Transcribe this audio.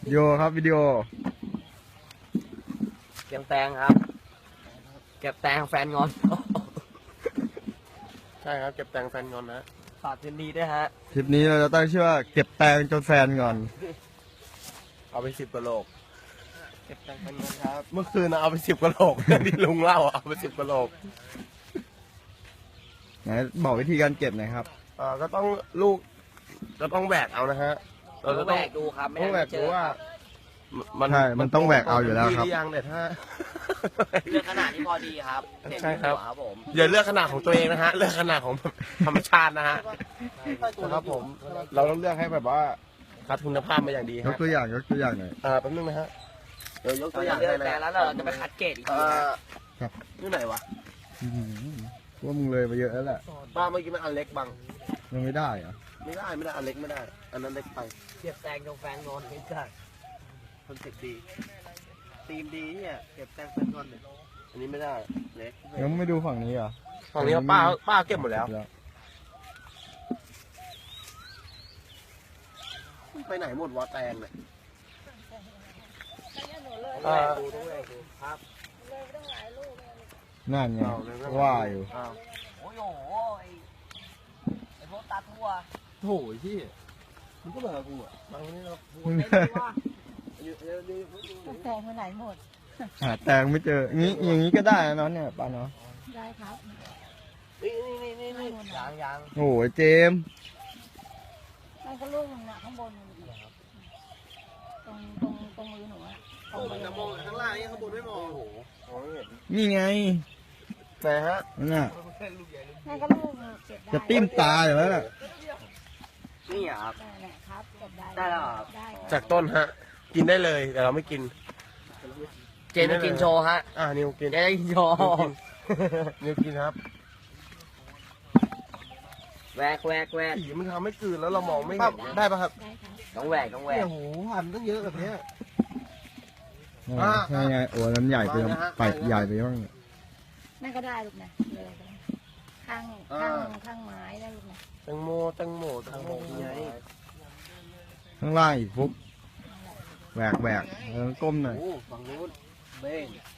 วิดีโอครับวิดีโอเก็บแตงครับเก็บแตงแฟนงอนใช่ครับเก็บแตงแฟนงอนนะฝากคืนดีด้วยฮะคลิปนี้เราจะตั้งชื่อว่าเก็บแตงจนแฟนก่อนเอาไป10 กว่าโหลกเก็บแตงแฟนงอนครับเมื่อคืนนะเอาไป10 กว่าโหลก ที่ลุงเล่าเอาไป10 กว่าโหลกไหนบอกวิธีการเก็บหน่อยครับก็ต้องลูกก็ต้องแหวกเอานะฮะเราจะแหวกดูครับไม่ต้องแหวได้กเจดูอว่าใช่มันต้องแหวกเอาอยู่แล้วครับที่ยังแต่ถ้าเลือกขนาดที่พอดีครับเส้นใช่ครับหัวครับผมอย่าเลือกขนาดของตัวเองนะฮะ เลือกขนาดของธรรมชาตินะฮะนะครับผม เราต้องเลือกให้แบบว่าคัดคุณภาพมาอย่างดียฮะกตัวอย่างยกตัวอย่างหน่อยแป๊บนึงนะฮะ เดี๋ยวยกตัเราวอจะย่างเลือกให้แตนะงแล้วเราจะไปคัดเกรดอีกทีนะครับนี่ไหนวะอื้อหือว่ามึงเลยไปเยอะแล้วแหละป้าเมื่อกี้มันอันเล็กบังมันไม่ได้เหรอะไม่ได้อันเล็กไม่ได้ อันนั้นเล็กไปเก็บแตงจนแฟนงอนไม่ใช่คอนเซ็ปต์ดีธีมดีเนี่ยเก็บแตงแฟนงอนเนี่ยอันนี้ไม่ได้ เล็กยังไม่ดูฝั่งนี้เหรอฝั่งนี้ป้าเก็บหมดแล้ว ไปไหนหมดวะแตงเนี่ยต้องแหวกดูต้องแหวกดูครับนั่นไงว่าอยู่อ้าวโอ้ยโหไอ้พวกตัดทั่วโถยที่มันก็แบบกูอ่ะบางวันนี้เราไม่รู้ว่าแตงไปไหนหมดหาแตงไม่เจองี้อย่างนี้ก็ได้นะน้องเนี่ยป้าเนาะได้ครับนี่ยังโอ้ยเจมส์นั่นก็ลูกนึงนะข้างบนมันเดียวตรงมือหนูอะตรงมือจะมองข้างล่างนี่ข้างบนไม่มองโอ้โหมองไม่เห็นนี่ไงแต่ฮะนั่นน่ะนั่นก็ลูกนึงเก็บได้จะติ้มตาอยู่แล้วน่ะนี่เหรอครับได้แหละครับเก็บได้ได้แล้วเหรอได้ครับจากต้นฮะ กินได้เลยแต่เราไม่กินเจนจะกินโชว์ฮะนิวกินเจนจะกินโชว์นิวกินครับแหวกผีมันทำให้กลืนแล้วเรามองไม่เห็นได้ป่ะครับได้ครับต้องแหวกเนี่ยโหพันตั้งเยอะแบบเนี้ยใช่ไงโอ้ยนั้นใหญ่ไปวางนะฮะไปใหญ่ไปบ้างนั่นก็ได้ลูกนะเลยไปข้างไม้ได้ลูกนะแตงโมไงข้างล่างอีกฟุกแหวกแล้วก้มหน่อยโอ้ฝั่งนู้นเบ้ง